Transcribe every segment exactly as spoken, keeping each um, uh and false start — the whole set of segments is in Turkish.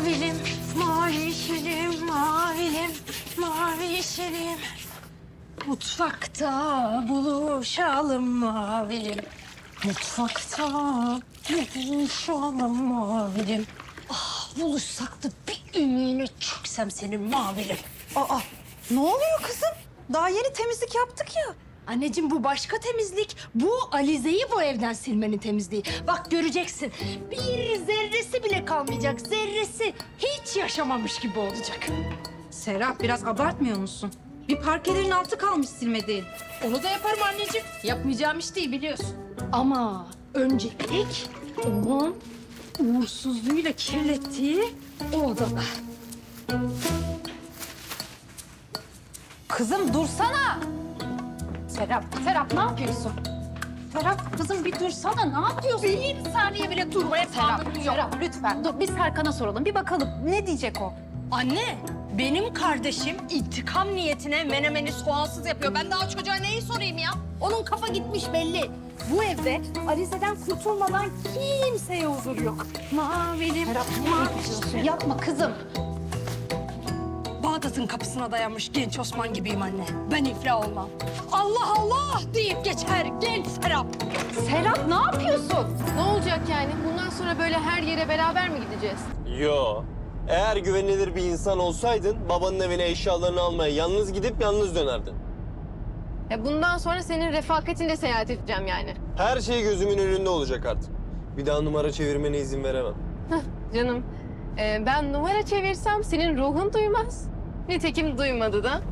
Mavilim, mavi yeşilim, mavilim, mavi yeşilim. Mutfakta buluşalım mavilim. Mutfakta buluşalım mavilim. Ah, buluşsak da bir ümüğüne çöksem senin mavilim. Aa, ne oluyor kızım? Daha yeni temizlik yaptık ya. Anneciğim bu başka temizlik. Bu Alize'yi bu evden silmenin temizliği. Bak göreceksin. Bir zerresi bile kalmayacak. Zerresi hiç yaşamamış gibi olacak. Serap biraz abartmıyor musun? Bir parkelerin altı kalmış silmediğin. Onu da yaparım anneciğim. Yapmayacağım iş değil biliyorsun. Ama öncelik onun uğursuzluğuyla kirlettiği o odada. Kızım dursana. Serap, Serap ne yapıyorsun? Serap kızım bir dursana, ne yapıyorsun? Bir saniye bile durmaya tahammülüm yok. Serap lütfen dur biz Serkan'a soralım. Bir bakalım ne diyecek o? Anne, benim kardeşim intikam niyetine menemeni soğansız yapıyor. Ben daha çocuğa neyi sorayım ya? Onun kafa gitmiş belli. Bu evde Alize'den kurtulmadan kimseye huzur yok. Mavilim, Serap ne yapıyorsun? Yapma kızım. Bağdat'ın kapısına dayanmış genç Osman gibiyim anne. Ben iflah olmam. Allah Allah deyip geçer genç Serap. Serap ne yapıyorsun? Ne olacak yani? Bundan sonra böyle her yere beraber mi gideceğiz? Yo. Eğer güvenilir bir insan olsaydın babanın evine eşyalarını almaya yalnız gidip yalnız dönerdin. Ya bundan sonra senin refakatinle seyahat edeceğim yani. Her şey gözümün önünde olacak artık. Bir daha numara çevirmene izin veremem. Hah canım. Ee, ben numara çevirsem senin ruhun duymaz. Nitekim duymadı da.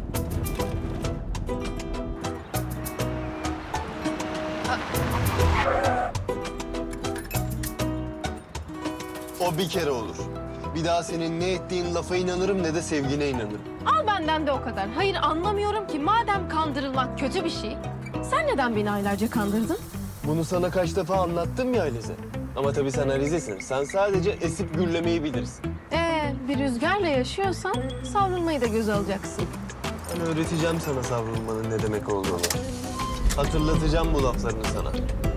O bir kere olur. Bir daha senin ne ettiğin lafa inanırım ne de sevgine inanırım. Al benden de o kadar. Hayır anlamıyorum ki madem kandırılmak kötü bir şey. Sen neden beni aylarca kandırdın? Bunu sana kaç defa anlattım ya Alize. Ama tabii sen Alize'sin. Sen sadece esip gürlemeyi bilirsin. Ee, bir rüzgarla yaşıyorsan savrulmayı da göze alacaksın. Ben öğreteceğim sana savrulmanın ne demek olduğunu. Hatırlatacağım bu laflarını sana.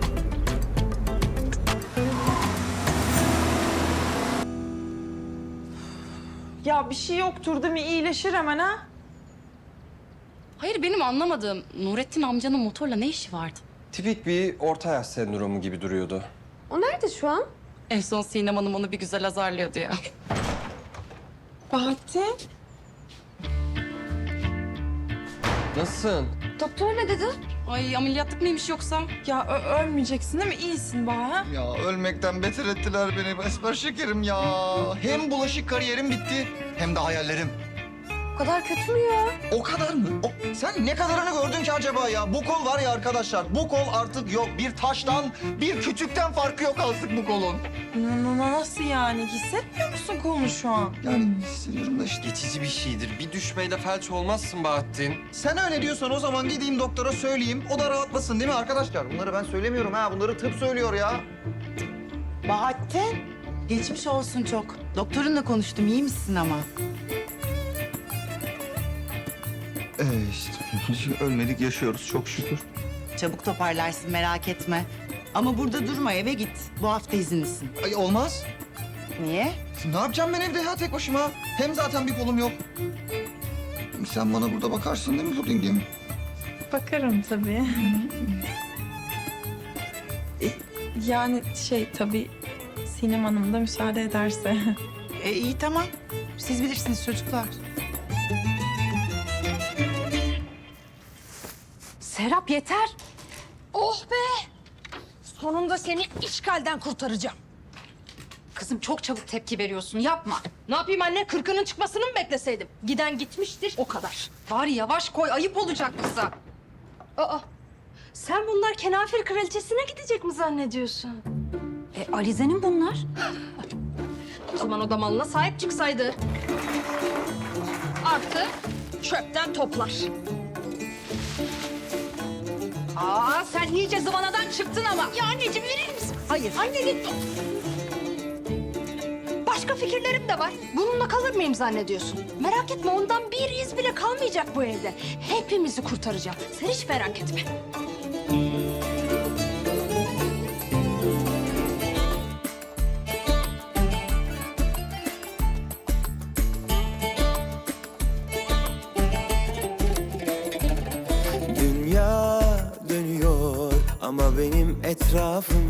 Ya bir şey yoktur değil mi? İyileşir hemen ha? Hayır benim anlamadığım Nurettin amcanın motorla ne işi vardı? Tipik bir orta yaş sendromu gibi duruyordu. O nerede şu an? En son Sinem Hanım onu bir güzel azarlıyordu ya. Bahattin. Nasılsın? Doktor ne dedi? Ay ameliyatlık mıymış yoksa? Ya ö- ölmeyeceksin değil mi? İyisin Bahar. Ya ölmekten beter ettiler beni Esmer şekerim ya. Hem bulaşık kariyerim bitti hem de hayallerim. O kadar kötü mü ya? O kadar mı? O, sen ne kadarını gördün ki acaba ya? Bu kol var ya arkadaşlar, bu kol artık yok. Bir taştan, bir kütükten farkı yok artık bu kolun. Na- na- na- Nasıl yani? Hissetmiyor musun kolunu şu an? Yani hissediyorum da işte. Geçici bir şeydir. Bir düşmeyle felç olmazsın Bahattin. Sen öyle diyorsan o zaman gideyim doktora söyleyeyim. O da rahatlasın değil mi arkadaşlar? Bunları ben söylemiyorum ha. Bunları tıp söylüyor ya. Bahattin, geçmiş olsun çok. Doktorunla konuştum, iyi misin ama? Ee işte ölmedik yaşıyoruz çok şükür. Çabuk toparlarsın, merak etme. Ama burada durma, eve git. Bu hafta izinlisin. Ay olmaz. Niye? Ne yapacağım ben evde ya tek başıma? Hem zaten bir kolum yok. Sen bana burada bakarsın değil mi pudingim? Bakarım tabii. E, yani şey tabii Sinem Hanım da müsaade ederse. E, iyi tamam. Siz bilirsiniz çocuklar. Serap yeter. Oh be! Sonunda seni işgalden kurtaracağım. Kızım çok çabuk tepki veriyorsun, yapma. Ne yapayım anne? Kırkının çıkmasını mı bekleseydim? Giden gitmiştir, o kadar. Bari yavaş koy, ayıp olacak kıza. Aa, sen bunlar kenafir kraliçesine gidecek mi zannediyorsun? E, Alize'nin bunlar. O zaman o da malına sahip çıksaydı. Artı çöpten toplar. Aa, sen iyice zıvanadan çıktın ama. Ya anneciğim verir misin? Hayır. Anneciğim. Başka fikirlerim de var. Bununla kalır mıyım zannediyorsun? Merak etme ondan bir iz bile kalmayacak bu evde. Hepimizi kurtaracağım. Sen hiç merak etme. Ama benim etrafım